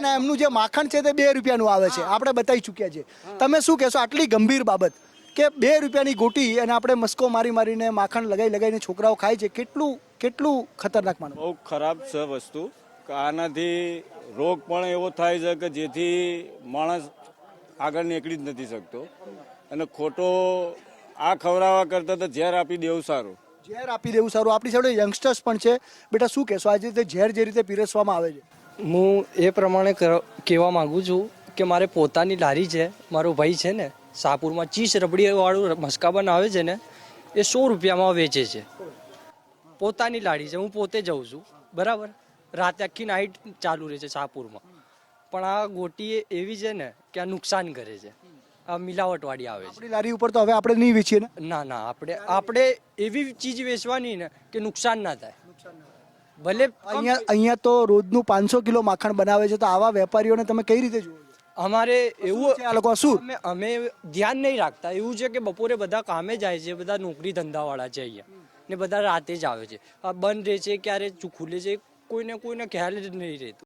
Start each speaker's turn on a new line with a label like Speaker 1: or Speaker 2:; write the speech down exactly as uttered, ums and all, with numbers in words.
Speaker 1: અને એમનું જે માખણ છે તે બે રૂપિયાનું આવે છે, આપણે બતાવી ચૂક્યા છે. તમે શું કહેશો આટલી ગંભીર બાબત કે બે રૂપિયાની ગોટી અને આપણે મસ્કો મારી મારીને માખણ લગાવી લગાવીને છોકરાઓ ખાય છે, કેટલું કેટલું ખતરનાક માનો?
Speaker 2: બહુ ખરાબ છે વસ્તુ. આનાથી રોગ પણ એવો થાય છે કે જેથી માણસ આગળ નીકળી જ નથી શકતો, અને ખોટો આ ખવડાવવા કરતાં તો ઝેર આપી દેવું સારું.
Speaker 1: ઝેર આપી દેવું સારું. આપણી સાથે યંગસ્ટર્સ પણ છે. બેટા શું કહેશો આજે રીતે ઝેર જે રીતે પીરસવામાં આવે છે?
Speaker 3: હું એ પ્રમાણે કહેવા માંગુ છું કે મારે પોતાની લારી છે, મારો ભાઈ છે ને શાહપુરમાં ચીઝ રબડીવાળું મસ્કાબન આવે છે ને એ સો રૂપિયામાં વેચે છે. પોતાની લારી છે, હું પોતે જઉં છું, બરાબર. રાતે આખી નાઇટ ચાલુ રહે છે શાહપુરમાં. પણ આ ગોટી એવી છે ને કે આ નુકસાન કરે છે, આ મિલાવટવાળી આવે છે.
Speaker 1: આપણી લારી ઉપર તો હવે આપણે નહીં વેચીએ ને?
Speaker 3: ના ના, આપણે આપણે એવી ચીજ વેચવાની ને કે નુકસાન ના થાય. ભલે
Speaker 1: અહીંયા અહીંયા તો રોજનું પાંચસો કિલો માખણ બનાવે છે, તો આવા વેપારીઓને તમે કઈ રીતે જુઓ છો?
Speaker 3: અમારે એવું
Speaker 1: છે આ લોકો શું?
Speaker 3: અમે અમે ધ્યાન નહીં રાખતા. એવું છે કે બપોરે બધા કામે જાય છે, બધા નોકરી ધંધાવાળા છે અહીંયા, ને બધા રાતે જ આવે છે. આ બંધ રહે છે ક્યારે ખુલે છે કોઈને કોઈને ખ્યાલ જ નહીં રહેતું.